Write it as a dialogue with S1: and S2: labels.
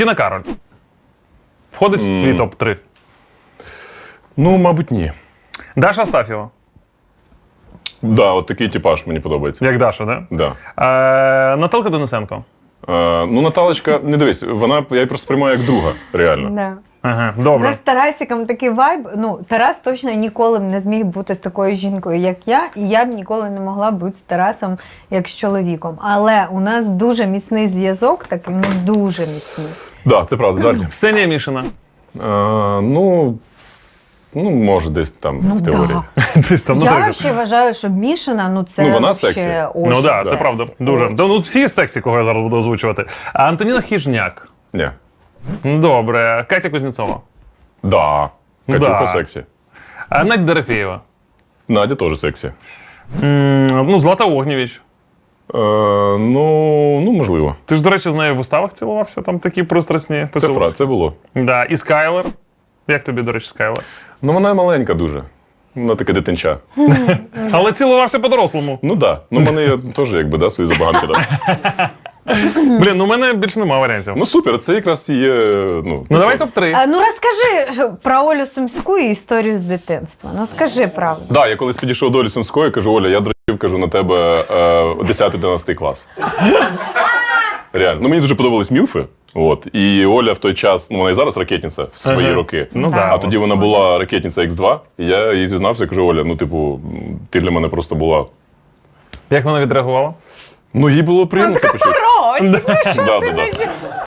S1: Тіна Кароль. Входить в твій топ-3.
S2: Ну, мабуть, ні.
S1: Даша Астафєва.
S2: Да, от такий типаж мені подобається.
S1: Як Даша, да?
S2: Да.
S1: Наталка Денисенко.
S2: Ну, Наталочка, не дивись, я її просто сприймаю як друга, реально.
S3: Да.
S1: Ага,
S3: У
S1: добре.
S3: нас з Тарасиком такий вайб. Ну, Тарас точно ніколи б не зміг бути з такою жінкою, як я, і я б ніколи не могла бути з Тарасом як з чоловіком. Але у нас дуже міцний зв'язок, такий, ну дуже міцний.
S2: Да, це правда, далі.
S1: Ксенія Мішина.
S2: Ну, може, десь там в теорії.
S1: Десь там, ну,
S3: Я
S1: так.
S3: взагалі вважаю, що Мішина, ну це
S2: Ну, вона
S3: вообще
S2: сексі.
S3: очень
S1: Ну так, це
S3: сексі.
S1: правда. Дуже.
S3: Очень.
S1: Да, ну, всі сексі, кого я зараз буду озвучувати. А Антоніна Хіжняк.
S2: Ні.
S1: Ну, добре. Катя Кузнєцова.
S2: Да. Катюха
S1: Да.
S2: сексі.
S1: Надя Дорофєєва.
S2: Надя теж сексі.
S1: Ну, Злата Огнєвіч.
S2: Ну, можливо.
S1: Ти ж, до речі, з нею в уставах цілувався, там такі пристрасні поцілунки.
S2: Це було.
S1: Да. І Скайлер. Як тобі, до речі, Скайлер?
S2: Ну, вона маленька дуже. Вона таке дитинча.
S1: Але цілувався по-дорослому.
S2: Ну, да. Ну, в мене є теж, якби, да, свої забаганки. Да.
S1: Блін, ну у мене більше немає варіантів.
S2: Ну, супер, це якраз і є,
S1: Ну давай топ-3.
S3: Ну розкажи про Олю Сумську і історію з дитинства. Ну скажи правду.
S2: Да, я колись підійшов до Олі Сумської, кажу, Оля, я дрочив, кажу, на тебе 10-11 клас. Реально. Ну, мені дуже подобались мілфи. От. І Оля в той час, ну вона і зараз ракетниця в свої
S1: Ага.
S2: роки.
S1: Ну
S3: Да.
S1: да.
S2: А тоді вона була ракетниця X2, і я їй зізнався, кажу, Оля, ну, типу, ти для мене просто була.
S1: Як вона відреагувала?
S2: Ну, їй було приємно це почути.
S3: Коротше,
S2: Да, да, да.